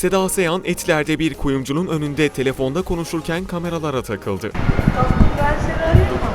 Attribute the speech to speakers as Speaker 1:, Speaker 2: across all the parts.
Speaker 1: Seda Sayan Etiler'de bir kuyumcunun önünde telefonda konuşurken kameralara takıldı.
Speaker 2: Ben seni arayayım mı?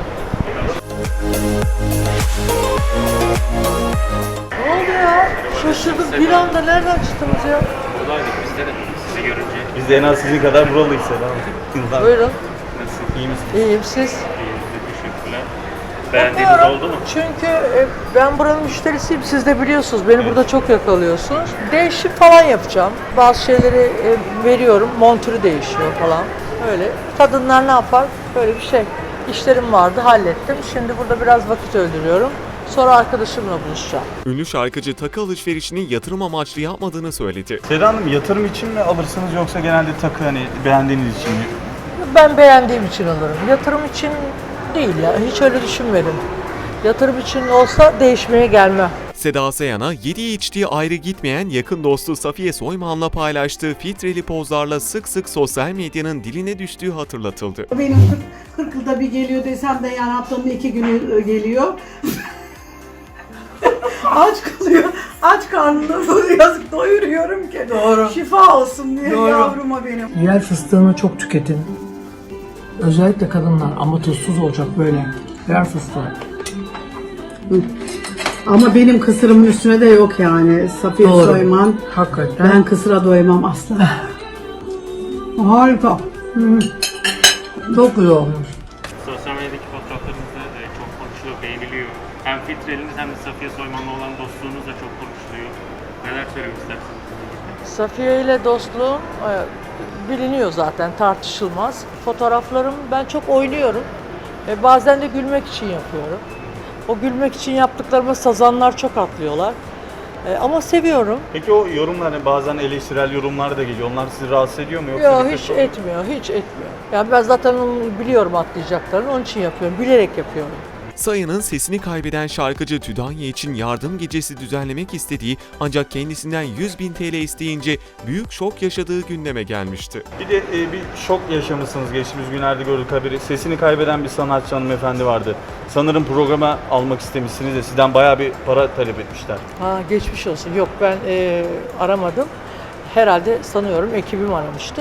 Speaker 2: Ne oldu ya? Şaşırdım. Bir anda nereden çıktınız ya?
Speaker 3: Buradaydık biz de sizi görünce.
Speaker 4: Biz de en az sizin kadar buralıyız Seda.
Speaker 2: Buyurun.
Speaker 3: Nasıl?
Speaker 4: İyi misiniz?
Speaker 2: İyiyim siz?
Speaker 3: İyiyizdir, teşekkürler. Beğendiğiniz oldu mu?
Speaker 2: Çünkü ben buranın müşterisiyim. Siz de biliyorsunuz. Beni burada çok yakalıyorsunuz. Değişim falan yapacağım. Bazı şeyleri veriyorum. Montürü değişiyor falan. Öyle. Kadınlar ne yapar? Böyle bir şey. İşlerim vardı. Hallettim. Şimdi burada biraz vakit öldürüyorum. Sonra arkadaşımla buluşacağım.
Speaker 1: Ünlü şarkıcı takı alışverişini yatırım amaçlı yapmadığını söyledi.
Speaker 4: Seda Hanım, yatırım için mi alırsınız yoksa genelde takı hani beğendiğiniz için mi?
Speaker 2: Ben beğendiğim için alırım. Yatırım için değil ya. Hiç öyle düşünmedim. Yatırım için olsa değişmeye gelmem.
Speaker 1: Seda Sayan'a yediği içtiği ayrı gitmeyen yakın dostu Safiye Soyman'la paylaştığı filtreli pozlarla sık sık sosyal medyanın diline düştüğü hatırlatıldı.
Speaker 5: Benim 40 yılda bir geliyor desem de yani haftanın 2 günü geliyor. Aç kalıyor. Aç karnında böyle yazık doyuruyorum ki.
Speaker 2: Doğru.
Speaker 5: Şifa olsun diye
Speaker 2: Doğru.
Speaker 5: yavruma benim.
Speaker 2: Yer fıstığını çok tüketin. Özellikle kadınlar ama tuzsuz olacak böyle. Yer fıstığı.
Speaker 5: Ama benim kısırımın üstüne de yok yani. Safiye
Speaker 2: Doğru.
Speaker 5: Soyman.
Speaker 2: Hakikaten.
Speaker 5: Ben kısıra doymam asla. Harika.
Speaker 2: Çok güzel olmuş.
Speaker 3: Sosyal medyadaki fotoğraflarınızda çok konuşuluyor, beğeniliyor. Hem filtreliniz hem de Safiye Soyman'la olan dostluğunuz da çok konuşuluyor. Neler söylemek istersiniz?
Speaker 2: Safiye ile dostluğum biliniyor zaten, tartışılmaz. Fotoğraflarım ben çok oynuyorum. Bazen de gülmek için yapıyorum. O gülmek için yaptıklarıma sazanlar çok atlıyorlar. Ama seviyorum.
Speaker 4: Peki o yorumlar, hani bazen eleştirel yorumlar da geliyor. Onlar sizi rahatsız ediyor mu? Yoksa
Speaker 2: Yok
Speaker 4: bir
Speaker 2: hiç
Speaker 4: tek-
Speaker 2: etmiyor, hiç etmiyor. Yani ben zaten onu biliyorum atlayacaklarını, onun için yapıyorum, bilerek yapıyorum.
Speaker 1: Sayan'ın sesini kaybeden şarkıcı Tüdanya için yardım gecesi düzenlemek istediği ancak kendisinden 100.000 TL isteyince büyük şok yaşadığı gündeme gelmişti.
Speaker 4: Bir de bir şok yaşamışsınız geçtiğimiz günlerde gördük haberi. Sesini kaybeden bir sanatçı hanımefendi vardı. Sanırım programa almak istemişsiniz de sizden bayağı bir para talep etmişler.
Speaker 2: Ha geçmiş olsun. Yok ben aramadım. Herhalde sanıyorum ekibim aramıştı.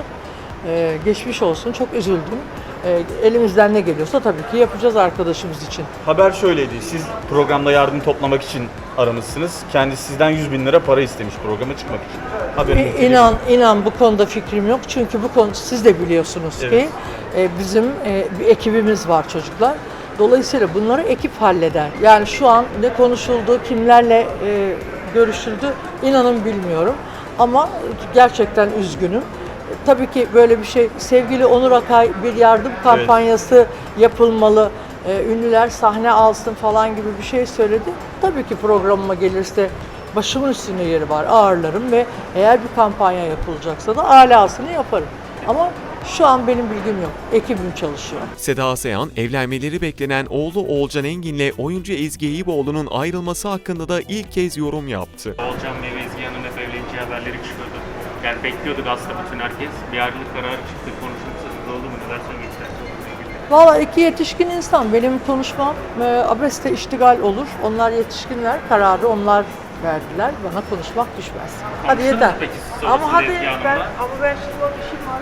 Speaker 2: Geçmiş olsun. Çok üzüldüm. Elimizden ne geliyorsa tabii ki yapacağız arkadaşımız için.
Speaker 4: Haber şöyleydi. Siz programda yardım toplamak için aramışsınız. Kendisi sizden 100.000 lira para istemiş programa çıkmak için. Haberiniz
Speaker 2: İnan bu konuda fikrim yok. Çünkü bu konu siz de biliyorsunuz ki bizim bir ekibimiz var çocuklar. Dolayısıyla bunları ekip halleder. Yani şu an ne konuşuldu, kimlerle görüşüldü inanın bilmiyorum. Ama gerçekten üzgünüm. Tabii ki böyle bir şey, sevgili Onur Akay bir yardım kampanyası yapılmalı, ünlüler sahne alsın falan gibi bir şey söyledi. Tabii ki programıma gelirse başımın üstünde yeri var, ağırlarım ve eğer bir kampanya yapılacaksa da alasını yaparım. Ama şu an benim bilgim yok, ekibim çalışıyor.
Speaker 1: Seda Sayan, evlenmeleri beklenen oğlu Oğulcan Engin'le oyuncu Ezgi Eyüboğlu'nun ayrılması hakkında da ilk kez yorum yaptı.
Speaker 3: Oğulcan Bey ve Ezgi Hanım'ın hep evleneceği haberleri çıkıyordu. Yani bekliyorduk aslında bütün herkes. Bir ayrılık kararı çıktı, konuşulması oldu mu? Neler söylemek istersiniz onunla ilgili?
Speaker 2: Valla iki yetişkin insan, benim konuşmam abeste iştigal olur. Onlar yetişkinler, kararı onlar verdiler, bana konuşmak düşmez. Hadi
Speaker 3: Konuştunuz
Speaker 2: yeter.
Speaker 3: mu peki siz
Speaker 2: Ama
Speaker 3: sonrasında
Speaker 2: hadi
Speaker 3: Ezgi Hanım'la?
Speaker 2: ben şimdi o işim var.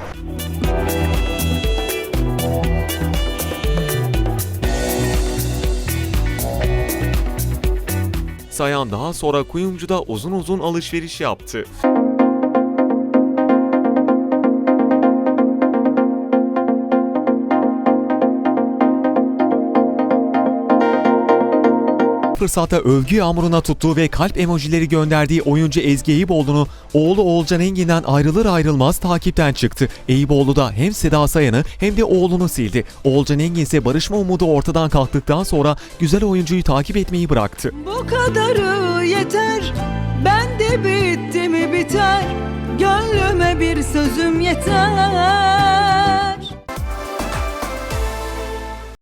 Speaker 1: Sayan daha sonra kuyumcuda uzun uzun alışveriş yaptı. Fırsatta övgü yağmuruna tuttuğu ve kalp emojileri gönderdiği oyuncu Ezgi Eyüboğlu'nu oğlu Oğulcan Engin'den ayrılır ayrılmaz takipten çıktı. Eyüboğlu da hem Seda Sayan'ı hem de oğlunu sildi. Oğulcan Engin ise barışma umudu ortadan kalktıktan sonra güzel oyuncuyu takip etmeyi bıraktı.
Speaker 6: Bu kadarı yeter, ben de bitti mi biter, gönlüme bir sözüm yeter.